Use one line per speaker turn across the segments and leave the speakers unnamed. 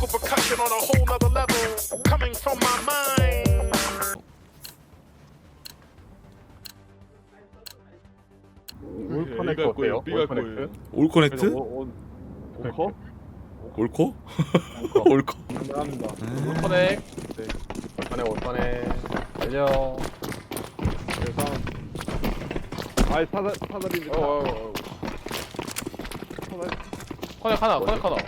percussion on a whole nother level coming from my mind.
올 커넥트 어때요? 올 커넥트?
올 커넥트?
올커?
올코? 올코.
감사합니다.
커넥.
올 커넥 달려. 그래서 아이 사다리인데.
커넥 하나.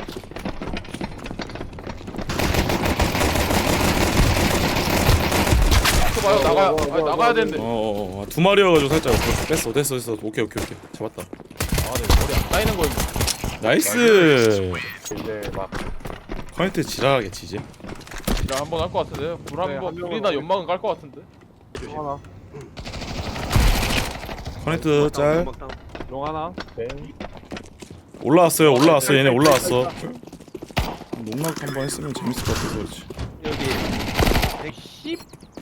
봐요. 나가야 되는데.
두 마리여가지고 살짝 뺐어. 됐어. 오케이. 잡았다.
내 머리 안 따이는 거.
나이스.
이제 막
커넥트 지랄하겠지 이제.
나 한번 할 것 같은데. 불이나 연막은 깔 것 같은데.
하나,
커넥트 짤.
용 하나. 네.
올라왔어. 얘네 올라왔어. 농락 한번 했으면 재밌을 것 같아서 그렇지.
여기 110.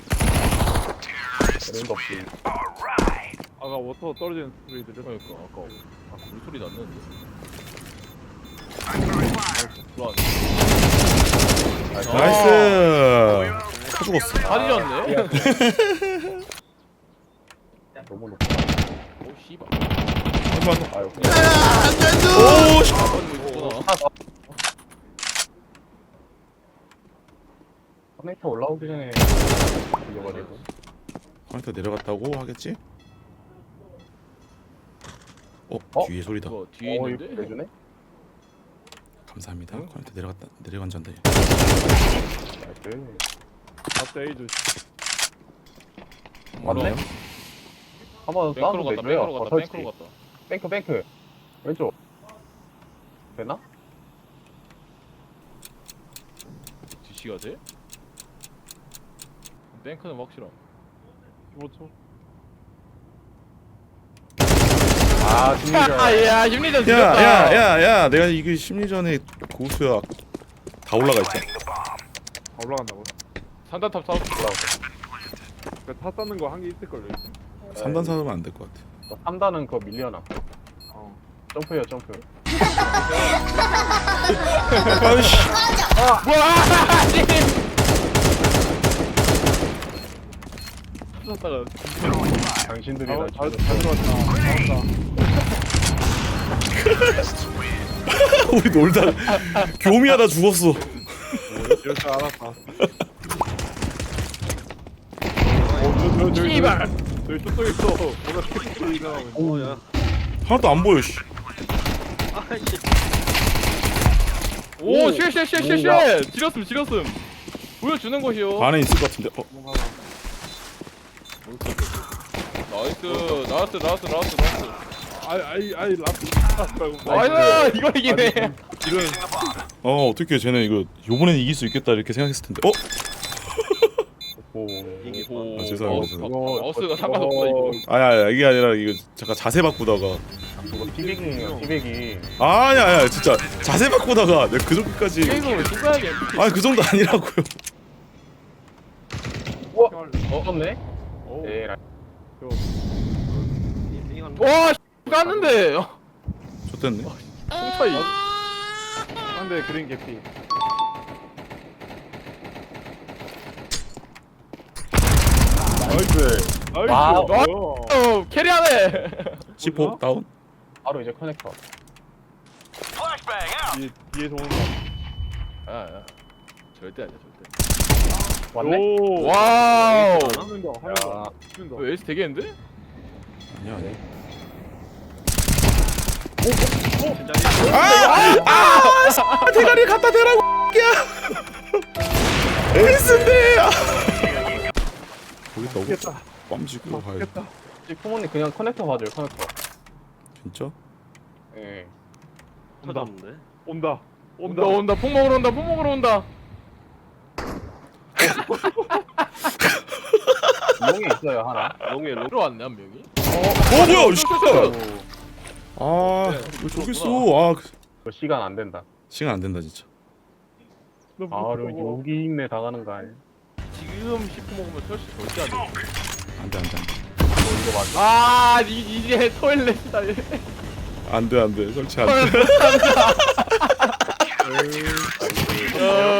랜드 없지. 아까 워터 떨어지는 소리 들려?
그러니까 아까 물소리 났는데.
나이스. 다 죽었어.
다 뒤졌네.
너무 높아.
오 씨발.
아유.
오 씨.
커넥터 올라오기 전에 이겨버리고.
커넥터 내려갔다고 하겠지? 뒤에 소리다.
이거 뒤에 있는데.
이거 내주네?
감사합니다. 커넥터 내려간 잔데.
나이스. 갑자기
맞네.
한번
뱅크로
싸움
갔다.
내줘요.
뱅크로 갔다.
뱅크. 왼쪽. 되나?
뒤치가 돼? 뱅크는 확실함.
15초. 아, 심리전.
야 심리전 지렸다.
야. 내가 이거 심리전에 고수야. 다 올라가 있잖아.
올라간다고?
산단탑 사업.
타 쌓는 거 한 개 있을걸요?
3단 사면 안 될 것 같아.
3단은 그거 밀려나. 점프요.
아이씨.
샀다가
당신들이랑
잘
들어왔다.
우리 놀다 교미하다 죽었어.
이럴 줄 알았다.
씨발.
저기 뚝뚝 있어. 뭔가 뚝뚝 이상하고. 야.
하나도 안 보여. 씨.
오 쉣. 지렸음. 보여주는 것이요.
안에 있을 것 같은데.
나이스.
아이 라프.
나이스. 이거 이기네.
이런
어떻게 쟤네 이거 요번엔 이길 수 있겠다 이렇게 생각했을 텐데.
오.
아, 죄송합니다.
마우스가 상관없다 이거.
아야 이게 아니라 이거 잠깐 자세 바꾸다가.
그거 티백이에요. 티백이.
아니야 진짜 자세 바꾸다가 내가 그 정도까지.
게임을 죽어야겠.
그 정도 아니라고요.
떴네?
오.
네.
와 깠는데.
좋댔네.
총차이.
상대 그린 개피. 나이스.
와우.
뭐야?
캐리하네.
C4 다운.
바로 이제 커넥터. 뒤에서 오는 거.
야. 절대 아니야 절대.
왔네? 오.
와우.
한명 더.
너 에이스 되겠는데?
아니야. 대가리 갖다 대라고. 에이스인데. 거기 너무
겠다.
빰지고 가야.
겠다. 쿠모님 그냥 커넥터 봐줘요. 커넥터.
진짜?
예.
터졌는데?
온다.
온다. 폭 먹으러 온다.
롱이 있어요 하나.
롱에 롱
들어왔네 한 명이.
뭐야? 씨.
오.
왜 저기 있어?
그 시간 안 된다.
시간 안 된다 진짜.
그럼 여기 있네 당하는 거 아니야?
지금 10분 먹으면 설치 절대 안 돼.
안 돼.
이거 맞아.
이제 토일렛이다.
안 돼. 설치 안 돼.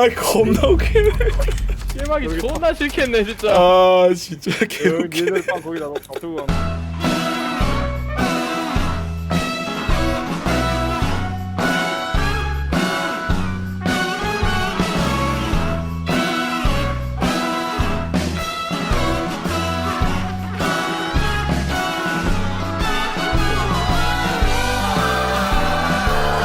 아 겁나 웃기네.
게임하기 존나 싫겠네 진짜.
아 진짜
여기
개웃기네.
얘들 빵 거기다 놔두고 가는